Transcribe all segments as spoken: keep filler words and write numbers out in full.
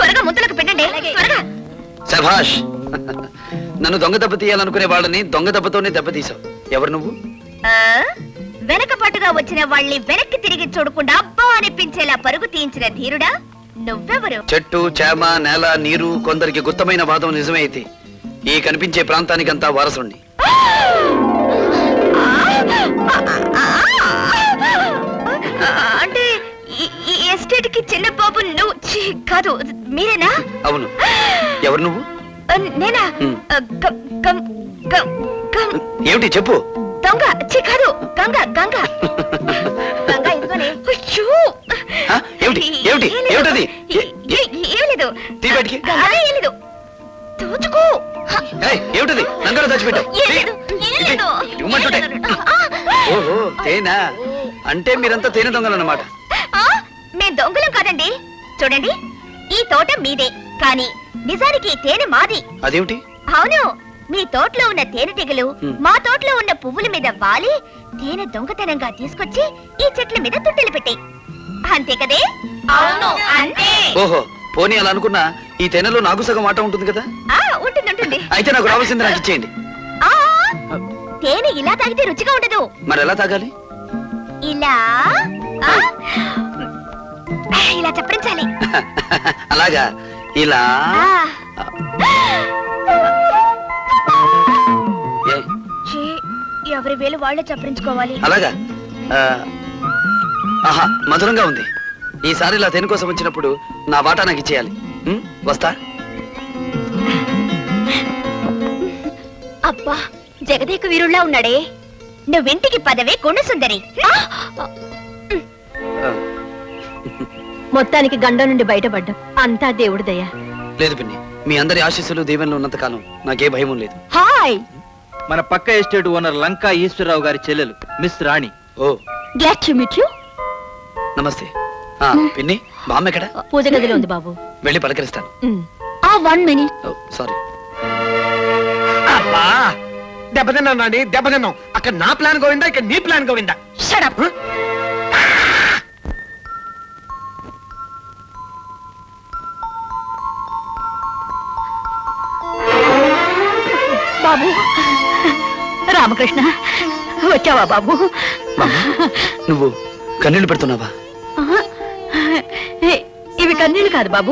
త్వరగా ముద్దలకు పెట్టండి. శభాష్. నన్ను దొంగ దెబ్బ తీయాలనుకునే వాళ్ళని దొంగ దెబ్బతోనే దెబ్బతీసావు. ఎవరు నువ్వు? వెనక పట్టుగా వచ్చిన వాళ్ళని వెనక్కి తిరిగి చూడకుండా అబ్బా అనిపించేలా పరుగు తీయించిన ధీరుడా నువ్వెవరు? చెట్టు, చేమ, నేల, నీరు కొందరికి గుత్తమైన వాదం నిజమే అయితే ఈ కనిపించే ప్రాంతానికంతా వారసుండి. అంటే ఈ ఎస్టేట్ కి చిన్న బాబు నువ్వు కాదు, మీరేనా? అవును. ఎవరు నువ్వు? నేనా? ఏమిటి చెప్పు. దొంగ చి కాదు, గంగ గంగ గంగ ఇదిగోనే. ఏమిటి ఏమిటి ఏమిటది? ఏం లేదు ఏం లేదు. దోచుకో. ఏమిటది? నంగలో దాచిపెట్టావు. ఓహో తేనా? అంటే మీరంతా తేనె దొంగలు అన్నమాట. మేం దొంగలం కాదండి. చూడండి, ఈ తోట మీదే, కానీ నిజానికి ఈ తేనె మాది. అదేమిటి? అవును, మీ తోటలో ఉన్న తేనెటీగలు మా తోటలో ఉన్న పువ్వుల మీద వాలి తేనె దొంగతనంగా తీసుకొచ్చి ఈ చెట్ల మీద తుట్టెలు పెట్టాయి. అంతే కదే? అవును అంతే. ఓహో, పోనీ అలా అనుకున్నా ఈ తేనెలో నాకు సగం ఆట ఉంటుంది కదా? ఉంటుంది ఉంటుంది. అయితే నాకు రావాల్సింది నాకు ఇచ్చేయండి. తేనె ఇలా తాగితే రుచిగా ఉండదు. మరి ఎలా తాగాలి? ఇలా ఇలా చప్పరించాలి. అలాగా? ఇలా ఎవరి వేలు వాళ్ళే చప్పరించుకోవాలి. అలాగా? ఆహా, మధురంగా ఉంది. ఈసారి ఇలా తేనె కోసం వచ్చినప్పుడు నా వాటా నాకు ఇచ్చేయాలి. వస్తా. అబ్బా, జగదేక వీరుల్లా ఉన్నాడే. నువ్వింటికి పదవే గుణసుందరి. మొత్తానికి గండం నుండి బయటపడ్డం అంతా దేవుడి దయ. లేదు పిన్ని, మీ అందరి ఆశీస్సులు దీవెనలు ఉన్నంత కాలం నాకే భయం లేదు. హాయ్, మన పక్క ఎస్టేట్ ఓనర్ లంకా ఈశ్వరరావు గారి చెల్లెలు miss Rani. Oh, glad to meet you. నమస్తే. పిన్ని, బామ్మ ఎక్కడ? పూజ గదిలో ఉంది బాబు. వెళ్ళి పలకరిస్తాను. ఆ వన్ మినిట్. సారీ. అబ్బా, దెబ్బతిన్నాం నాని, దెబ్బతిన్నాం. అక్కడ నా ప్లాన్ గోవిందా, ఇక్కడ నీ ప్లాన్ గోవిందా. Shut up. బాబు రామకృష్ణ, వచ్చావా బాబు? నువ్వు కన్నీళ్లు పెడుతున్నావా? ఇవి కన్నీళ్ళు కాదు బాబు,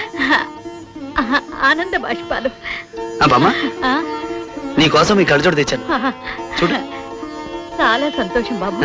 ఆనంద బాష్పాలు. బామ్మ, నీ కోసం ఈ కళ్ళజోడు తెచ్చాను, చూడు. చాలా సంతోషం బాబు.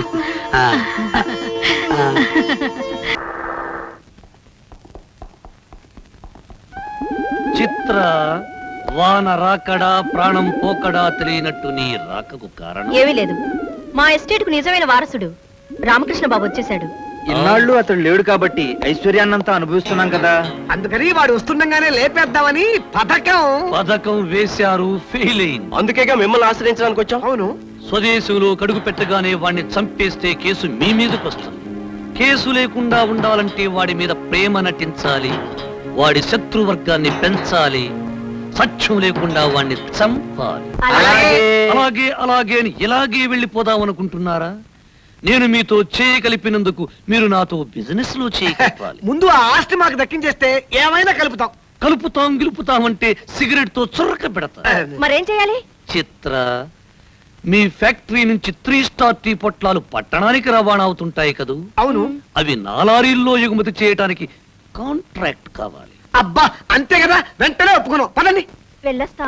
చిత్ర, వాన రాకడా ప్రాణం పోకడా తెలియనట్టు నీ రాకకు కారణం ఏమీ లేదు. మా ఎస్టేట్ కు నిజమైన వారసుడు రామకృష్ణ బాబు వచ్చేసాడు. ఇన్నాళ్ళు అతడు లేడు కాబట్టి ఐశ్వర్యాన్నంతా అనుభవిస్తున్నాం కదా. అందుకని వాడు వస్తుండగానే లేపేద్దామని పథకం పథకం వేశారు, ఫెయిల్ అయింది. అందుకేగా మిమ్మల్ని ఆశ్రయించడానికి వచ్చాం. అవును, స్వదేశంలో కడుగు పెట్టగానే వాడిని చంపేస్తే కేసు మీ మీదకి వస్తుంది. కేసు లేకుండా ఉండాలంటే వాడి మీద ప్రేమ నటించాలి, వాడి శత్రువర్గాన్ని పెంచాలి, సత్యం లేకుండా వాడిని చంపాలి. అలాగే అలాగే ఇలాగే వెళ్ళిపోదాం అనుకుంటున్నారా? నేను మీతో చేయగలిపినందుకు మీరు నాతో బిజినెస్ లో చేయగలపాలి. ముందు ఆ ఆస్తి మాకు దక్కించేస్తే ఏమైనా కలుపుతాం. కలుపుతాం గెలుపుతామంటే సిగరెట్ తో చురక పెడతా. మరేం చేయాలి? చిత్ర, మీ ఫ్యాక్టరీ నుంచి త్రీ స్టార్ టీ పొట్లాలు పట్టణానికి రవాణా అవుతుంటాయి కదూ? అవును. అవి నాలారీల్లో ఎగుమతి చేయడానికి కాంట్రాక్ట్ కావాలి. అబ్బా, అంతే కదా, వెంటనే ఒప్పుకున్నాం. పదండి. వెళ్ళొస్తా.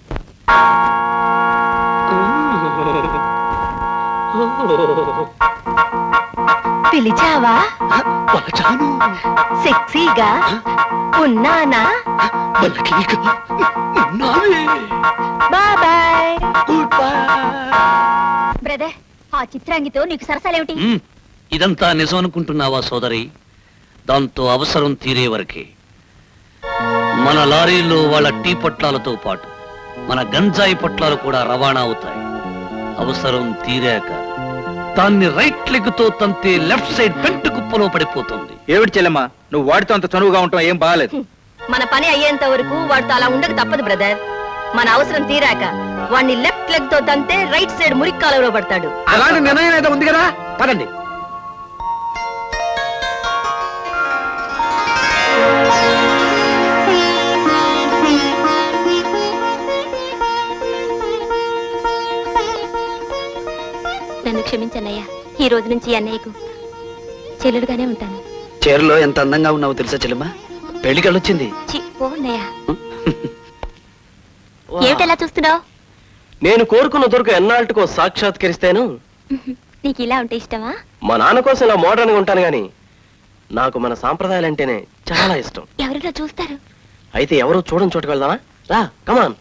పిలిచావా? సెక్సీగా ఉన్నానా? బాయ్. బ్రదర్, ఆ చిత్రాంగితో నీకు సరసాలేమిటి? ఇదంతా నిజం అనుకుంటున్నావా సోదరి? దాంతో అవసరం తీరే వరకే. మన లారీల్లో వాళ్ళ టీ పొట్లాలతో పాటు మన గంజాయి పొట్లాలు కూడా రవాణా అవుతాయి. అవసరం తీరాక దాన్ని రైట్ లెగ్ తో తంతే లెఫ్ట్ సైడ్ పెంట కుప్పలో పడిపోతుంది. ఏమిటి చెల్లెమ్మా, నువ్వు వాడితో అంత చనువుగా ఉంటావు, ఏం బాగాలేదు. మన పని అయ్యేంత వరకు వాడితో అలా ఉండక తప్పదు బ్రదర్. మన అవసరం తీరాక వాడిని లెఫ్ట్ లెగ్ తో తంతే రైట్ సైడ్ మురికి కాలువలో పడతాడు. అలాంటి నిర్ణయం ఏదో ఉంది కదా, పదండి. నన్ను క్షమించన్నయ్యా. ఈ రోజు నుంచి అన్నయ్యకు చెల్లెలుగానే ఉంటాను. చీరలో ఎంత అందంగా ఉన్నావో తెలుసా చెల్లెమ్మా? పెళ్లికి వెళ్ళొచ్చింది. చి, పో అన్నయ్య. ఏమిటలా చూస్తున్నావు? నేను కోరుకున్న దొరకు ఎన్నాళ్ళకో సాక్షాత్కరిస్తాను. నీకు ఇలా ఉంటే ఇష్టమా? మా నాన్న కోసం ఇలా మోడర్న్ గా ఉంటాను గాని నాకు మన సాంప్రదాయాలు అంటేనే చాలా ఇష్టం. ఎవరైనా చూస్తారు. అయితే ఎవరో చూడని చోటుకు వెళ్దామా? రా, కమాన్.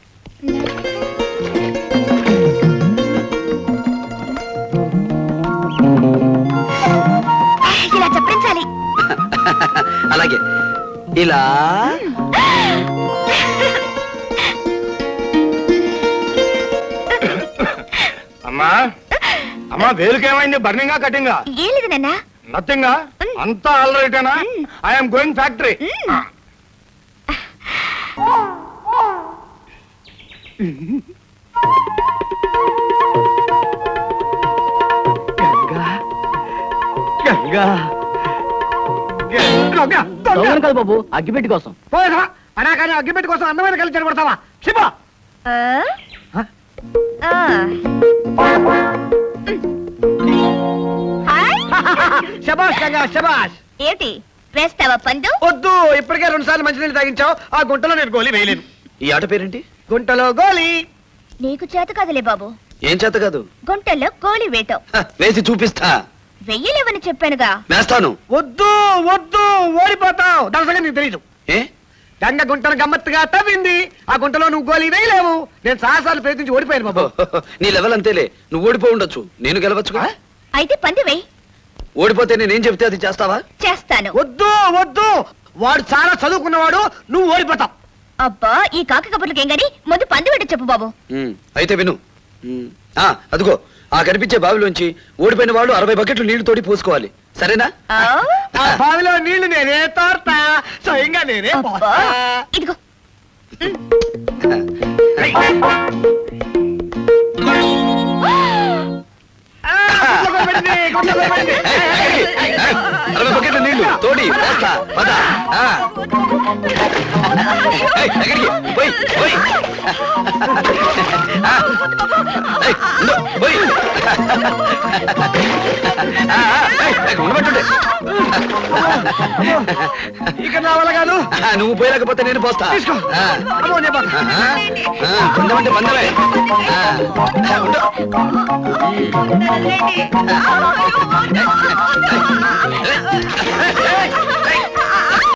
ఇలా చప్పించాలి. అలాగే ఇలా. అమ్మా అమ్మా వేలుకేమైంది? బర్నింగా కటింగా? ఏం లేదు నాన్న. నథింగా? అంతా ఆల్ రైటేనా? I'm going factory. Ganga Ganga కాదు బాబు, అగ్గిపెట్టి కోసం. పోయేసా అనా కానీ అగ్గిపెట్టి కోసం అందమైన కలిసి చెడగొడతావా? శివ ఆ? ఆ. హాయ్. శబాష్ గంగా శబాష్. ఏంటి వేస్తావా పందు? వద్దు, ఇప్పటికే రెండు సార్లు మంచినీళ్ళు తాగించావు. ఆ గుంటలో నేను గోలీ వేయలేను. ఈ ఆట పేరేంటి? గుంటలో గోలీ. నీకు చేత కదలే బాబు. ఏం చేత కాదు, గుంటల్లో గోలి వేయటం. హ, వేసి చూపిస్తా. వెయ్యలేవని చెప్పానుగా. వేస్తాను. వద్దు వద్దు, ఓడిపోతావు. దాని సంగతి నీకు తెలీదు. ఏ గంగ గుంటను గమ్మత్తుగా తవ్వింది. ఆ గుంటలో నువ్వు గోలీ వేయలేవు. నేను సాహసాలు ప్రయత్నించి ఓడిపోయాను బాబు. నీ లెవెల్ అంతేలే. నువ్వు ఓడిపో ఉండొచ్చు, నేను గెలవచ్చుగా. అయితే పంది వెయ్యి. ఓడిపోతే నేనేం చెప్తే అది చేస్తావా? చేస్తాను. వద్దు వద్దు, వాడు చాలా చదువుకున్నవాడు. నువ్వు ఓడిపోతావు. అబ్బా, ఈ కాకి కబుర్లకేం గాని ముందు పంది వెంట చెప్పు బాబు. ఉమ్, అయితే విను. ఉమ్, ఆ అదిగో ఆ కనిపించే బావిలోంచి ఓడిపోయిన వాళ్ళు అరవై బకెట్లు నీళ్లు తోడి పోసుకోవాలి. సరేనా? ఆ? ఆ బావిలో నీళ్లు నేనే తోడతా, స్వయంగా నేనే అబ్బా, పోస్తా. ఇదిగో. ఆ, గుంటలో పెట్టండి, గుంటలో పెట్టండి. అరవై బకెట్లు నీళ్లు తోడి పోస్తా. పద. ఆ. ఏయ్, ఎక్కడికి? పోయ్, పోయ్. ఆ. ఏయ్, ఉండు, పోయ్. ఆ, ఆ, ఏయ్, ఏయ్, ఉండబట్టుండే. ఇక నా వల్ల కాదు. ఆ, నువ్వు పోయలేకపోతే నేను పోస్తా. తీసుకో. ఆ. అమ్మో, నేను పోతా. ఆహా. ఆ, బంధం అంటే బంధమే. ఆ, ఉండు.